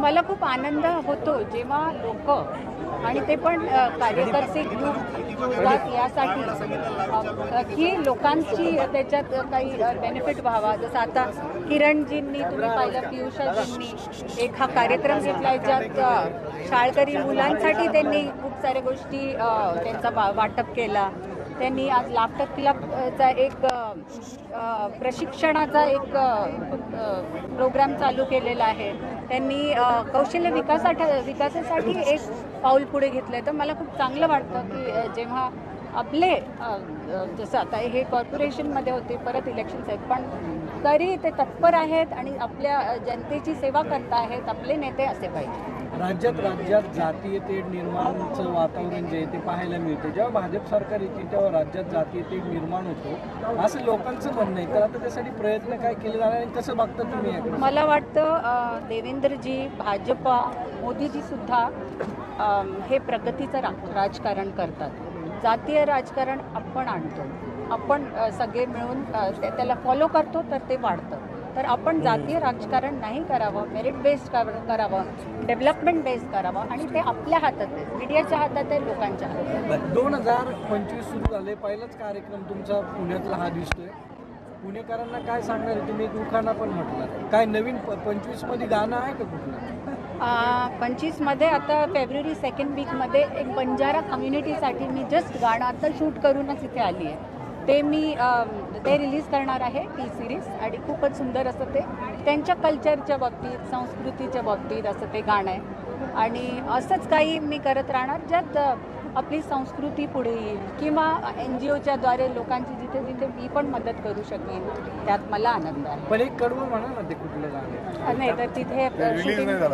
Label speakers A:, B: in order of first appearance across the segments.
A: मला खूप आनंद होतो जेव्हा लोक आणि ते पण कार्यकर्ते ग्रुप यासाठी की लोकांची त्याच्यात काही बेनिफिट व्हावा. जसं आता किरणजींनी तुम्ही पाहिलं, पियुषाजींनी एक हा कार्यक्रम घेतला ज्यात शाळकरी मुलांसाठी त्यांनी खूप साऱ्या गोष्टी त्यांचा वाटप केला. त्यांनी आज लाफ्टर क्लबचा एक प्रशिक्षणाचा एक प्रोग्राम चालू केलेला आहे. त्यांनी कौशल्य विकासासाठी एक पाऊल पुढे घेतलं आहे. तर मला खूप चांगलं वाटतं की जेव्हा आपले जसं आता हे कॉर्पोरेशनमध्ये होते, परत इलेक्शन्स आहेत, पण तरी ते तत्पर आहेत आणि आपल्या जनतेची सेवा करत आहेत. आपले नेते असे पाहिजे.
B: राज्यात जातीय तेढ निर्माणचं वातावरण जे आहे ते पाहायला मिळते. जेव्हा भाजप सरकार येते तेव्हा राज्यात जातीय तेढ निर्माण होतो असं लोकांचं म्हणणं आहे. तर आता त्यासाठी प्रयत्न काय केले जाणार आणि कसं बघता तुम्ही याकडे?
A: मला वाटतं देवेंद्रजी, भाजपा, मोदीजी सुद्धा हे प्रगतीचं राजकारण करतात. जातीय राजकारण आपण आणतो, आपण सगळे मिळून त्याला फॉलो करतो तर ते वाढतं. तर आपण जातीय राजकारण नाही करावं, मेरिट बेस्ड करावं, डेव्हलपमेंट बेस्ड करावं आणि ते आपल्या हातात आहे, मीडियाच्या हातात आहे, लोकांच्या हातात आहे.
B: 2025 सुरू झाले, पहिलाच कार्यक्रम तुमचा पुण्यातला हा दिसतोय. पुणेकरांना काय सांगणार आहे तुम्ही? एक उखाणा पण म्हटलं, काय नवीन 25मध्ये गाणं आहे का कुठलं?
A: 25मध्ये आता फेब्रुवारी 2nd वीकमध्ये एक बंजारा कम्युनिटीसाठी मी जस्ट गाणं आता शूट करूनच इथे आली आहे. ते मी ते रिलीज करणार आहे, टी सिरीज, आणि खूपच सुंदर असं ते त्यांच्या कल्चरच्या बाबतीत, संस्कृतीच्या बाबतीत असं ते गाणं आहे. आणि असंच काही मी करत राहणार ज्यात आपली संस्कृती पुढे येईल किंवा NGOच्या द्वारे लोकांची जिथे जिथे मी पण मदत करू शकेन, त्यात मला आनंद आहे.
B: पण एक कडवं म्हणा ना, ते कुठलं गाणं
A: नाही तर तिथे
B: रिलीज नाही.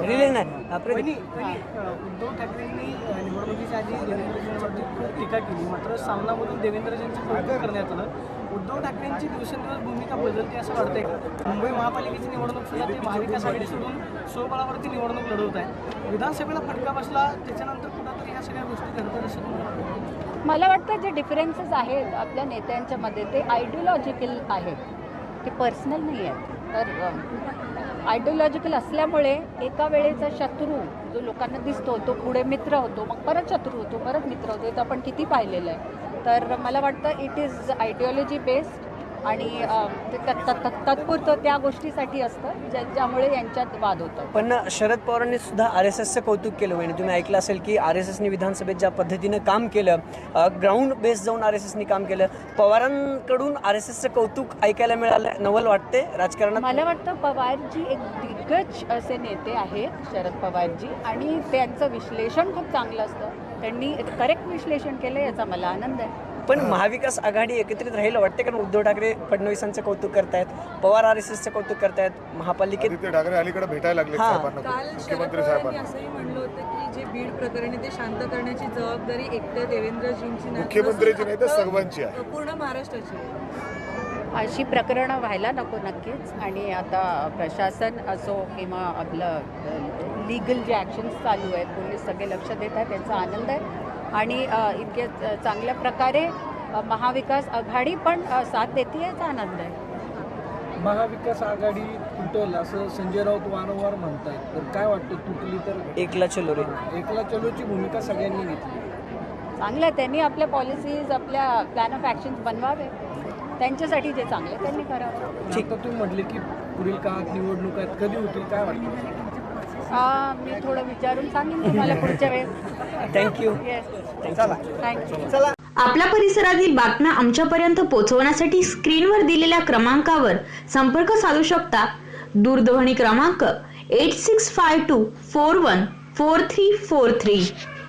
C: उद्धव ठाकरेंनी निवडणुकीच्या आधी देवेंद्रजींवरती खूप टीका केली, मात्र सामनामधून देवेंद्रजींचं कौतुक करण्यात आलं. उद्धव ठाकरेंची दिवसेंदिवस भूमिका बदलते असं वाटतंय का? मुंबई महापालिकेची निवडणूक सुद्धा ते महाविकास आघाडी सोडून स्वबळावरती निवडणूक लढवत आहे. विधानसभेला फटका बसला, त्याच्यानंतर कुठंतरी ह्या सगळ्या गोष्टी घडतात असं तुम्हाला?
A: मला वाटतं जे डिफरन्सेस आहेत आपल्या नेत्यांच्या मध्ये ते आयडिओलॉजिकल आहेत, ते पर्सनल नाही आहेत. तर आयडिओलॉजिकल असल्यामुळे एका वेळेचा शत्रू जो लोकांना दिसतो तो पुढे मित्र होतो, मग परत शत्रू होतो, परत मित्र होतो. हे तर आपण किती पाहिलेलं आहे. तर मला वाटतं इट इज आयडिओलॉजी बेस्ड आणि तात्पुरतं त्या गोष्टीसाठी असतं ज्यामुळे यांच्यात वाद होतो.
D: पण शरद पवारांनी सुद्धा RSSचं कौतुक केलं म्हणजे तुम्ही ऐकलं असेल की RSSने विधानसभेत ज्या पद्धतीनं काम केलं, ग्राउंड बेस जाऊन RSSने काम केलं. पवारांकडून RSSचं कौतुक ऐकायला मिळालं, नवल वाटते राजकारणात.
A: मला वाटतं पवारजी एक दिग्गज असे नेते आहेत, शरद पवारजी, आणि त्यांचं विश्लेषण खूप चांगलं असतं. त्यांनी करेक्ट विश्लेषण केलं, याचा मला आनंद आहे.
D: पण महाविकास आघाडी एकत्रित राहील वाटते, कारण उद्धव ठाकरे फडणवीसांचं कौतुक करतायत, पवार RSSचं कौतुक करतायत, महापालिकेत
E: ठाकरे अलीकडे भेटायला लागले साहेबांना.
F: काल शरद पवारांनी असंही म्हणलं होतं की जे बीड प्रकरणी ते शांत करण्याची जबाबदारी एकट्या देवेंद्रजींची नाही,
E: मुख्यमंत्र्यांची नाही तर सर्वांची आहे,
F: पूर्ण महाराष्ट्राची.
A: अशी प्रकरणं व्हायला नको नक्कीच. आणि आता प्रशासन असो किंवा आपलं लीगल जे ॲक्शन्स चालू आहेत, पोलीस सगळे लक्ष देत आहेत, त्यांचा आनंद आहे. आणि इतके चांगल्या प्रकारे महाविकास आघाडी पण साथ देते, याचा आनंद आहे.
B: महाविकास आघाडी तुटल असं संजय राऊत वारंवार म्हणतात, तर काय वाटतं तुटली तर?
D: एकला चलो रे,
B: एकला चलोची भूमिका सगळ्यांनी घेतली.
A: चांगलं आहे, त्यांनी आपल्या पॉलिसीज, आपल्या प्लॅन ऑफ ॲक्शन्स बनवावे, त्यांच्यासाठी जे चांगलं आहे त्यांनी करावं.
B: ठीक. तुम्ही म्हटले की पुढील काळात निवडणूक आहेत, कधी होतील काय वाटतं?
A: मी थोडं विचारून सांगेन तुम्हाला पुढच्या वेळेस.
D: थँक्यू.
A: Yes, thank you.
G: आपल्या परिसरातील बातम्या आमच्यापर्यंत पोहोचवण्यासाठी स्क्रीनवर दिलेल्या क्रमांकावर संपर्क साधू शकता. दूरध्वनी क्रमांक 8652414343.